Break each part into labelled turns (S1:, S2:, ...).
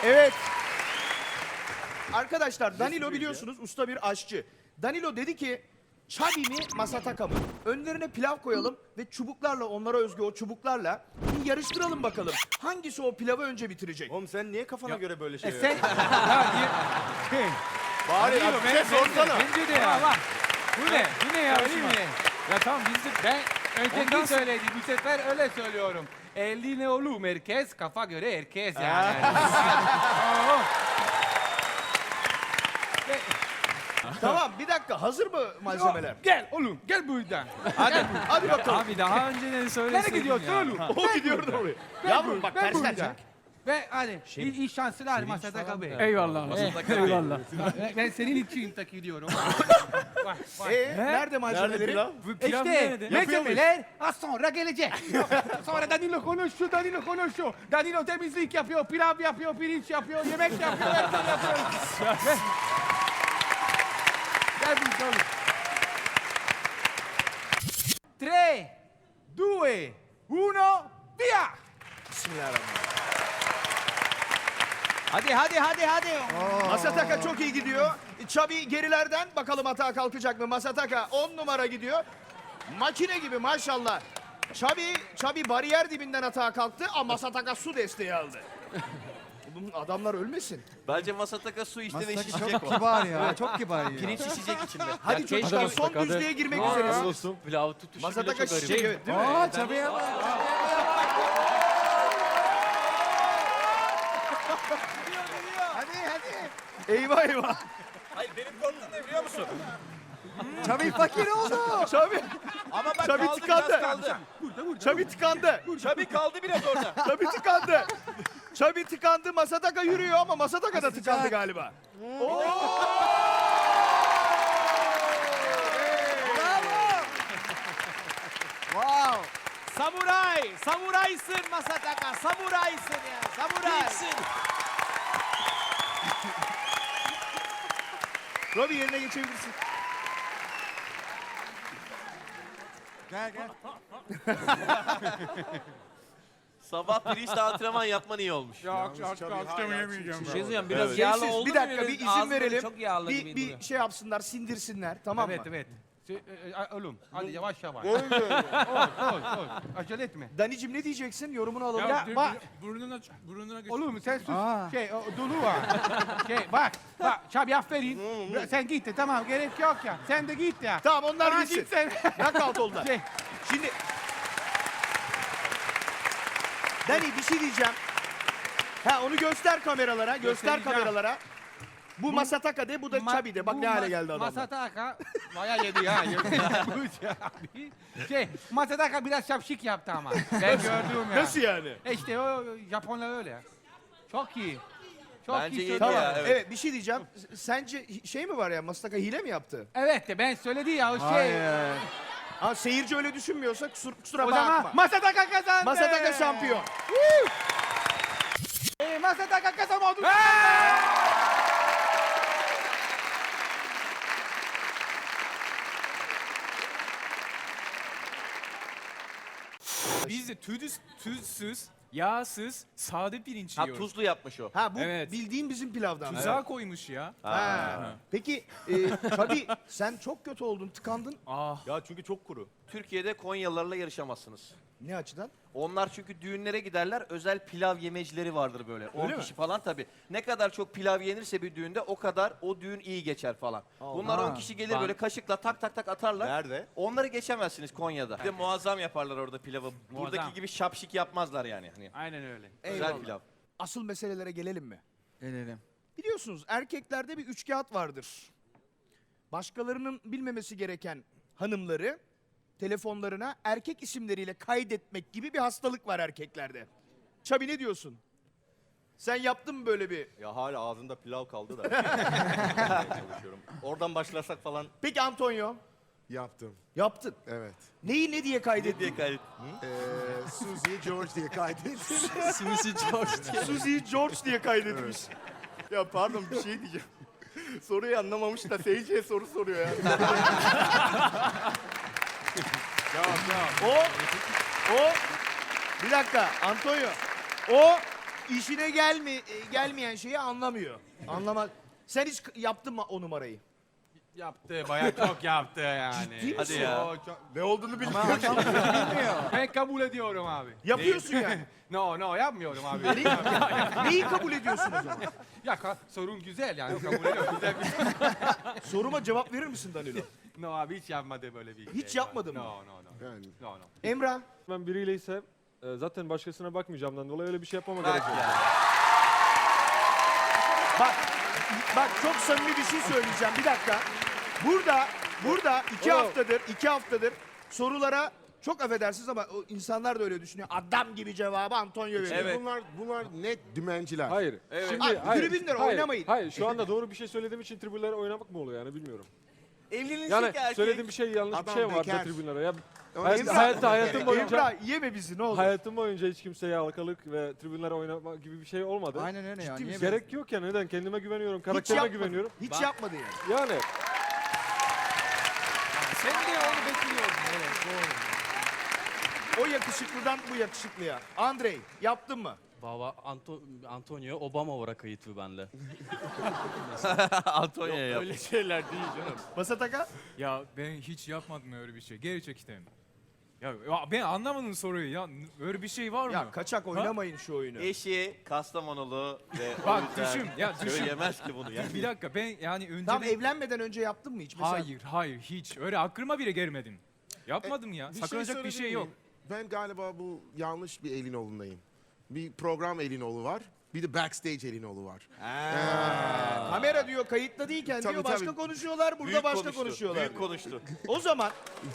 S1: Evet. Arkadaşlar Danilo biliyorsunuz usta bir aşçı. Danilo dedi ki Chubby mi Masataka mı? Önlerine pilav koyalım ve çubuklarla onlara özgü o çubuklarla bir yarıştıralım bakalım. Hangisi o pilavı önce bitirecek?
S2: Oğlum sen niye kafana göre böyle şey
S3: Sen... ya,
S2: Bari
S3: Danilo,
S2: bir şey sorsana.
S3: Bence de ya. Bak. Bu ne ya? Ya tamam biz de... Ben önceki söyledim. Bu sefer öyle söylüyorum. Eline oğlum herkes, kafa göre herkes yani.
S1: Tamam bir dakika hazır mı malzemeler?
S3: Gel oğlum gel buradan.
S1: Hadi bakalım.
S4: Abi daha önceden söyleseydin
S3: Nereye gidiyorsun
S4: ya.
S3: oğlum?
S1: O gidiyordu oraya. Yavrum bak tersten çek.
S3: Ve hadi iyi şanslar Masataka Bey.
S4: Eyvallah. Eyvallah.
S3: Ben senin için takılıyorum.
S1: Nerede malzemeleri?
S2: pilav?
S4: Bu pilav
S3: İşte
S4: nerede?
S3: malzemeler az sonra gelecek. Sonra Danilo konuşuyor, Danilo temizlik yapıyor, pilav yapıyor, pirinç yapıyor, yemek yapıyor, her şey yapıyor. Gel bir oğlum. 3, 2, 1, via!
S1: Bismillahirrahmanirrahim.
S4: Hadi.
S1: Masataka çok iyi gidiyor. Chubby gerilerden bakalım hata kalkacak mı? Masataka 10 numara gidiyor. Makine gibi maşallah. Chubby bariyer dibinden hata kalktı ama Masataka su desteği aldı. Bunun adamlar ölmesin.
S2: Bence Masataka su içti ve
S5: Masataka
S2: şişecek
S5: çok
S2: o.
S5: kibar ya, çok kibar ya.
S2: Pirinç şişecek içinde.
S1: Hadi çocuklar son düzlüğe girmek üzeresiniz.
S2: Pilav tutuşu bile
S1: Masataka
S2: çok garip.
S1: şişecek evet değil mi?
S5: Aa, Çabi'ye bak.
S1: Eyvah eyvah.
S2: Hayır benim korktuğum ne biliyor musun?
S5: Çabi fakir oldu.
S1: Chubby,
S2: Ama bak
S1: Chubby
S2: kaldı
S1: tıkandı.
S2: biraz kaldı.
S1: Chubby tıkandı.
S2: Chubby kaldı biraz orada.
S1: Chubby tıkandı. Chubby tıkandı. Masataka yürüyor ama Masataka da tıkandı
S5: Sıcak.
S1: galiba.
S5: Wow.
S4: Samuraysın Masataka. Samuraysın ya. Samuray.
S1: Robbie yerine geçebilirsin.
S5: Gel gel.
S2: Sabah pirinçle antrenman yapman iyi olmuş.
S3: Akşam yemeyeceğim.
S4: Şey diyeceğim biraz
S2: Evet.
S4: yağlı
S1: Sessiz,
S4: oldu
S1: bir dakika bir izin
S4: Ağzı
S1: verelim.
S4: Çok yağlı gibi duruyor.
S1: Bir şey yapsınlar, sindirsinler tamam mı?
S3: Evet. Oğlum hadi yavaş. Oy. Acele etme.
S1: Danicim ne diyeceksin? Yorumunu alalım.
S3: Ya, bak.
S4: Burnuna geç.
S3: Oğlum sen sus.
S5: Aa.
S3: Dolu var. Bak. Çabi aferin. Sen git de tamam gerek yok ya. Sen de git ya.
S1: Tamam onlar
S3: Aa,
S1: gitsin.
S3: git sen.
S1: Knockout oldular.
S3: Şey,
S1: Şimdi... Dani bir şey diyeceğim. Onu göster kameralara,
S3: Göstereceğim.
S1: Bu Masataka de, bu da Chubby de. Bak ne hale geldi adamlar.
S3: Masataka bayağı yedi ya. Masataka biraz şapşik yaptı ama. Ben gördüm ya.
S1: Nasıl yani?
S3: İşte o Japonlar öyle. Çok iyi. Çok
S2: Bence
S3: iyi
S2: yedi
S3: söyledi.
S2: ya.
S1: Evet.
S2: evet.
S1: Bir şey diyeceğim. Sence şey mi var ya? Masataka hile mi yaptı?
S3: Evet de ben söyledi ya o şey.
S5: Hayır.
S1: Ha seyirci öyle düşünmüyorsa kusura
S3: O
S1: bakma.
S3: zaman Masataka kazandı.
S1: Masataka şampiyon.
S3: Masataka kazandı.
S4: Biz de tuzsuz, yağsız, sade pirinç
S2: Ha
S4: yiyoruz.
S2: tuzlu yapmış o.
S1: Ha bu
S4: Evet.
S1: bildiğin bizim pilavdan.
S4: Tuzağa koymuş ya.
S1: Ha. Peki Chubby sen çok kötü oldun, tıkandın.
S2: Ya çünkü çok kuru. Türkiye'de Konyalılarla yarışamazsınız.
S1: Ne açıdan?
S2: Onlar çünkü düğünlere giderler, özel pilav yemecileri vardır böyle. 10
S1: mi?
S2: kişi falan tabii. Ne kadar çok pilav yenirse bir düğünde o kadar o düğün iyi geçer falan. Bunlar 10 kişi gelir böyle kaşıkla tak tak tak atarlar.
S6: Nerede?
S2: Onları geçemezsiniz Konya'da. Bir de muazzam yaparlar orada pilavı.
S3: Muazzam.
S2: Buradaki gibi şapşik yapmazlar yani. Hani
S3: Aynen öyle.
S2: özel
S1: Eyvallah.
S2: pilav.
S1: Asıl meselelere gelelim mi?
S5: Gelelim.
S1: Biliyorsunuz erkeklerde bir üçkağıt vardır. Başkalarının bilmemesi gereken hanımları telefonlarına erkek isimleriyle kaydetmek gibi bir hastalık var erkeklerde. Chubby ne diyorsun? Sen yaptın mı böyle bir?
S6: Ya hala ağzında pilav kaldı da. çalışıyorum. Oradan başlasak falan.
S1: Peki Antonio?
S7: Yaptım,
S1: Yaptın.
S7: evet.
S1: Neyi ne diye kaydettin?
S2: Diye kaydet.
S7: Suzy George diye kaydettim.
S4: Suzy George.
S1: Suzy George diye kaydetmiş.
S6: Ya pardon bir şey diyeceğim. Soruyu anlamamış da seyirciye soru soruyor ya.
S1: O bir dakika Antonio. O işine gelmeyen şeyi anlamıyor. Anlamaz. Sen hiç yaptın mı o numarayı?
S3: Yaptı, bayağı çok yaptı yani.
S1: Ciddi
S2: Hadi ya.
S3: Oo, çok-
S6: Ne olduğunu bilmiyorum.
S5: Bilmiyor.
S3: Ben kabul ediyorum abi.
S1: Yapıyorsun yani.
S3: No, yapmıyorum abi.
S1: Neyi kabul ediyorsun o zaman?
S3: Ya sorun güzel yani kabul ediyorum. Güzel bir
S1: Soruma cevap verir misin Danilo?
S3: No abi hiç yapmadı böyle bir
S1: Hiç
S3: şey.
S1: yapmadın mı?
S3: No.
S7: Yani
S3: No.
S1: Emrah.
S8: Ben biriyle ise zaten başkasına bakmayacağımdan dolayı öyle bir şey yapmama
S2: Bak
S8: gerek yok.
S2: ya.
S1: Bak çok samimi bir şey söyleyeceğim. Bir dakika. Burada iki haftadır sorulara çok affedersiniz ama o insanlar da öyle düşünüyor. Adam gibi cevabı Antonio veriyor.
S2: Evet.
S7: bunlar net dümenciler.
S8: Hayır. Şimdi,
S1: Abi, tribünlere oynamayın.
S8: Hayır, şu anda doğru bir şey söylediğim için tribünlere oynamak mı oluyor yani bilmiyorum.
S2: Evlenilecek
S8: Yani
S2: erkek.
S8: söylediğim bir şey yanlış bir
S7: Adam
S8: şey var
S7: bekar.
S8: da tribünlere. Ya,
S7: Emrah-
S8: hayatım boyunca
S1: Emrah yeme bizi ne olur.
S8: hayatım boyunca hiç kimseye halkalık ve tribünlere oynama gibi bir şey olmadı.
S5: Aynen öyle ya. Niye
S8: Gerek yok ya neden? Kendime güveniyorum,
S1: Hiç
S8: karakterime
S1: yapmadı.
S8: güveniyorum.
S1: Hiç yapmadı yani.
S8: Yani
S3: Sen de onu bekliyordun. Evet, doğru.
S1: O yakışıklıdan bu yakışıklıya. Andrei yaptın mı?
S9: Baba Antonio Obama olarak kayıtlı bende.
S2: Antonio yap.
S4: Öyle şeyler değil canım.
S1: Masataka?
S4: Ya ben hiç yapmadım öyle bir şey. Gerçekten. Ya ben anlamadım soruyu ya. Öyle bir şey var mı?
S1: Ya kaçak oynamayın şu oyunu.
S2: Eşi Kastamonulu ve o
S4: Bak
S2: yüzden
S4: düşün, ya düşün.
S2: söyleyemez ki bunu yani.
S4: Bir dakika ben yani önce
S1: Tam evlenmeden önce yaptın mı hiç? Mesela
S4: Hayır hiç. Öyle aklıma bile gelmedim. Yapmadım ya.
S7: Bir şey
S4: Sakınacak bir
S7: söyleyebilir
S4: şey yok.
S7: miyim? Ben galiba bu yanlış bir Elinoğlu'ndayım. Bir program Elinoğlu var. Bir de backstage Elinoğlu var.
S1: kamera diyor kayıtlı değilken
S7: Tabii,
S1: diyor başka
S7: tabii.
S1: konuşuyorlar burada
S2: Büyük
S1: başka
S2: konuştu,
S1: konuşuyorlar.
S2: Büyük
S1: diyor.
S2: konuştu.
S1: O zaman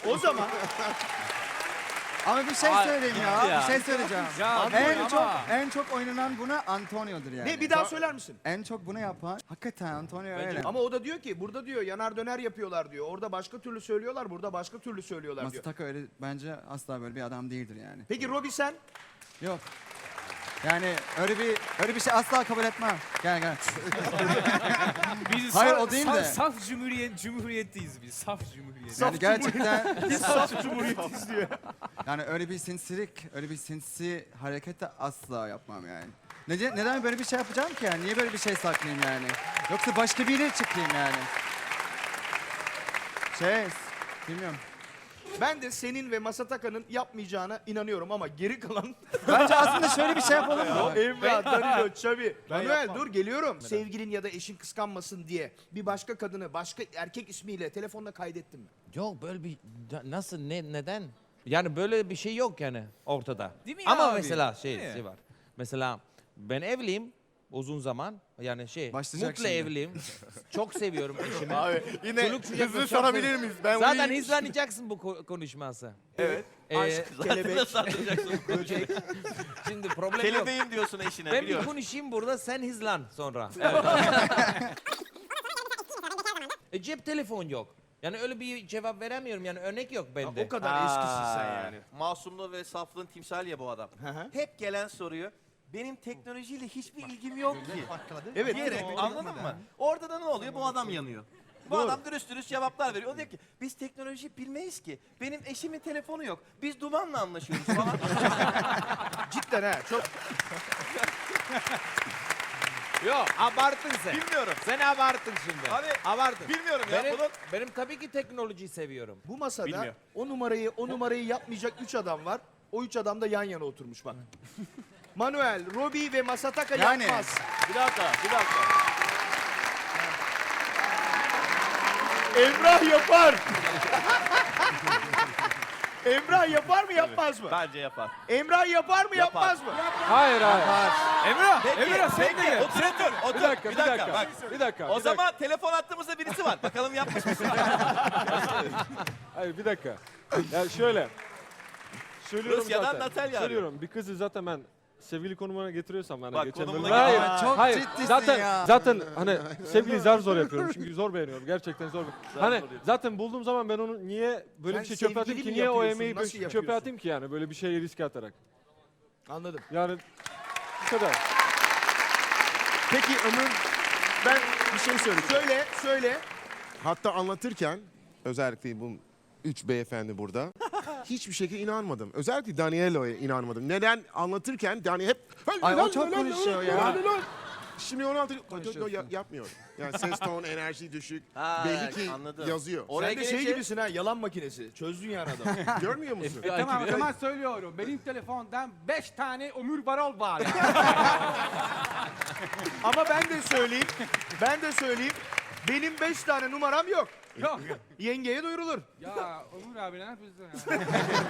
S5: Ama bir şey söyleyeyim ya.
S2: ya.
S5: Bir şey söyleyeceğim.
S4: Ya
S5: En çok oynanan buna Antonio'dur yani.
S1: ne bir daha söyler misin?
S5: En çok bunu yapan hakikaten Antonio öyle.
S1: Ama o da diyor ki burada diyor yanar döner yapıyorlar diyor. Orada başka türlü söylüyorlar, burada başka türlü söylüyorlar diyor.
S5: Masataka öyle bence asla böyle bir adam değildir yani.
S1: Peki Robi sen?
S5: Yok. Yani öyle bir şey asla kabul etmem. Gel.
S4: Biz
S5: Hayır, o değil de.
S4: Saf cumhuriyetteyiz biz. Saf cumhuriyet.
S5: Yani gerçekten
S1: Saf Cumhuriyetiz diyor.
S5: yani öyle bir sinsi hareket de asla yapmam yani. Neden böyle bir şey yapacağım ki yani? Niye böyle bir şey saklayayım yani? Yoksa başka biriyle çıkayım yani. Bilmiyorum.
S1: Ben de senin ve Masataka'nın yapmayacağına inanıyorum ama geri kalan
S5: Bence aslında şöyle bir şey yapalım mı?
S1: Emrah, Danilo, Xavi. Manuel dur geliyorum. Sevgilin ya da eşin kıskanmasın diye bir başka kadını başka erkek ismiyle telefonla kaydettin mi?
S10: Yok böyle bir nasıl neden? Yani böyle bir şey yok yani ortada.
S4: Değil mi
S10: Ama
S4: abi?
S10: mesela
S4: Değil mi?
S10: şey var. Mesela ben evliyim uzun zaman. Yani
S5: Başlayacak
S10: mutlu
S5: şimdi.
S10: evliyim. Çok seviyorum eşimi.
S6: Abi yine
S10: Çoluk çocuk
S6: hızlı
S10: çok
S6: sorabilir
S10: seviyorum.
S6: miyiz? Ben
S10: Zaten
S6: uyuyayım.
S10: hızlanacaksın bu konuşması.
S2: Evet.
S1: Kelebek.
S10: Böcek. Şimdi problem yok.
S2: Kelebeğim diyorsun eşine
S10: Ben bir
S2: biliyorum.
S10: konuşayım burada sen hızlan sonra. Cep telefon yok. Yani öyle bir cevap veremiyorum yani örnek yok bende.
S1: O kadar eskisin sen yani.
S2: Masumluğu ve saflığın timsali ya bu adam.
S1: hı.
S2: Hep gelen soruyu benim teknolojiyle hiçbir ilgim yok ki.
S1: Evet.
S2: Diyerek anladın mı? Orada da ne oluyor? Bu adam yanıyor. Bu adam dürüst cevaplar veriyor. O diyor ki biz teknoloji bilmeyiz ki. Benim eşimin telefonu yok. Biz dumanla anlaşıyoruz falan.
S1: Cidden ha çok.
S10: Yok abarttın sen.
S2: Bilmiyorum.
S10: Sen abarttın şimdi.
S2: Abi,
S10: abarttın.
S2: bilmiyorum ya.
S10: Benim tabii ki teknolojiyi seviyorum.
S1: Bu masada
S2: Bilmiyor.
S1: o numarayı yapmayacak 3 adam var. O 3 adam da yan yana oturmuş bak. Manuel, Robi ve Masataka
S5: Yani.
S1: yapmaz.
S2: Bir dakika.
S1: Emrah yapar. Emrah yapar mı yapmaz mı?
S2: Bence yapar.
S1: Emrah yapar mı
S2: Yapar.
S1: yapmaz mı?
S8: hayır.
S4: Emrah sen de gel.
S2: Otur.
S8: Bir dakika.
S2: Bak.
S8: Bir dakika.
S2: O zaman telefon attığımızda birisi var. Bakalım yapmış mısın?
S8: Hayır bir dakika. Ya şöyle. Söylüyorum
S2: Rusya'dan
S8: zaten.
S2: Natalya arıyor.
S8: Söylüyorum. Bir kızı zaten ben sevgili konumuna getiriyorsam yani
S2: Bak,
S8: geçen
S2: konumuna
S8: bölümde. Hayır.
S2: getir.
S5: Çok
S8: hayır.
S5: ciddisin
S8: zaten
S5: ya.
S8: zaten hani sevgili zor yapıyorum çünkü zor beğeniyorum. Gerçekten zor. Hani
S2: zor
S8: zaten bulduğum zaman ben onu niye böyle
S1: Sen
S8: bir şey çöpe atayım
S1: sevgili
S8: ki?
S1: mi
S8: Niye o
S1: yapıyorsun,
S8: emeği
S1: nasıl
S8: çöpe
S1: yapıyorsun?
S8: atayım ki yani böyle bir şeye riske atarak.
S1: Anladım.
S8: Yani bu kadar.
S7: Peki Ömür, ben bir şey söyleyeceğim.
S1: Söyle.
S7: Hatta anlatırken özellikle bu 3 beyefendi burada. hiçbir şekilde inanmadım. Özellikle Danielo'ya inanmadım. Neden? Anlatırken Daniel hep...
S5: Ay, o çok konuşuyor ya.
S7: Şimdi onu yapmıyor. Yani ses ton, enerji düşük.
S2: Ha,
S7: Belli ki
S2: anladım.
S7: yazıyor.
S2: Oraya
S1: Sen de şey
S2: gelince-
S1: gibisin ha, yalan makinesi. Çözdün yani adamı.
S7: Görmüyor musun?
S3: Tamam o zaman söylüyorum. Benim telefondan 5 tane ömür varol var.
S1: Ama ben de söyleyeyim. Benim 5 tane numaram yok.
S3: Yok.
S1: Yengeye duyurulur.
S3: Ya Ömür abi ne yapıyorsun ya?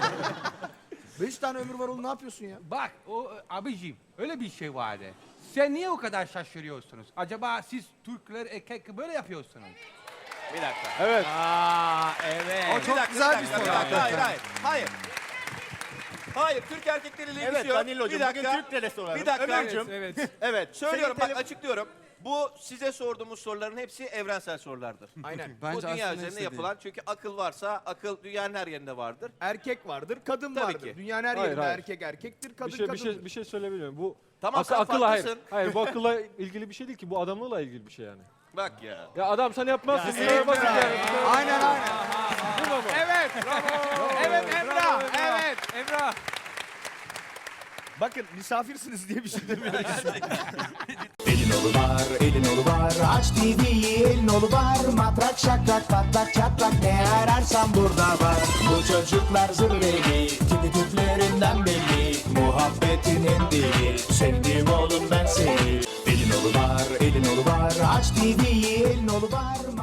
S1: 5 tane ömür var oğlum, ne yapıyorsun ya?
S3: Bak o abicim öyle bir şey vardı. Sen niye o kadar şaşırıyorsunuz? Acaba siz Türkler erkek böyle yapıyorsunuz?
S2: Bir dakika.
S8: Evet.
S2: O
S5: çok güzel bir soru.
S2: Hayır. Hayır, Türk erkekleriyle ilgisi
S6: Evet
S2: yok.
S6: Danilocum
S2: Bir
S6: bugün
S2: dakika.
S6: Türk telefonları.
S2: Bir dakika.
S4: Evet, evet.
S2: Evet, söylüyorum
S6: Senin
S2: bak açıklıyorum. Bu size sorduğumuz soruların hepsi evrensel sorulardır.
S1: Aynen.
S2: Bu
S5: Bence
S2: dünya
S5: aslında
S2: üzerinde
S5: istediği.
S2: yapılan çünkü akıl varsa akıl dünyanın her yerinde vardır.
S1: Erkek vardır, kadın
S2: Tabii
S1: vardır.
S2: ki.
S1: Dünyanın her
S8: Hayır,
S1: yerinde
S8: hayır.
S1: erkek erkektir, kadın kadındır.
S8: Bir şey söyleyebilirim. Bu
S2: Tamam, sen
S8: akılla hayır.
S2: farklısın.
S8: Hayır bu akılla ilgili bir şey değil ki. Bu adamlığıyla ilgili bir şey yani.
S2: Bak ya.
S8: Ya adam sen yapmazsın.
S1: Ya,
S8: Niye basit yani?
S5: Aynen.
S8: Bu da bu.
S3: Evet. Evet Emrah. Evet Emrah.
S1: Bakın misafirsiniz diye bir şey demiyorum.
S11: Elin olu var, aç TV'yi elin olu var. Matrak şakrak patlak çatlak ne ararsan burada var. Bu çocuklar zırveli, tipi tüplerinden belli. Muhabbetinin dili, sevdim oğlum ben seni. Elin olu var, aç TV'yi elin olu var.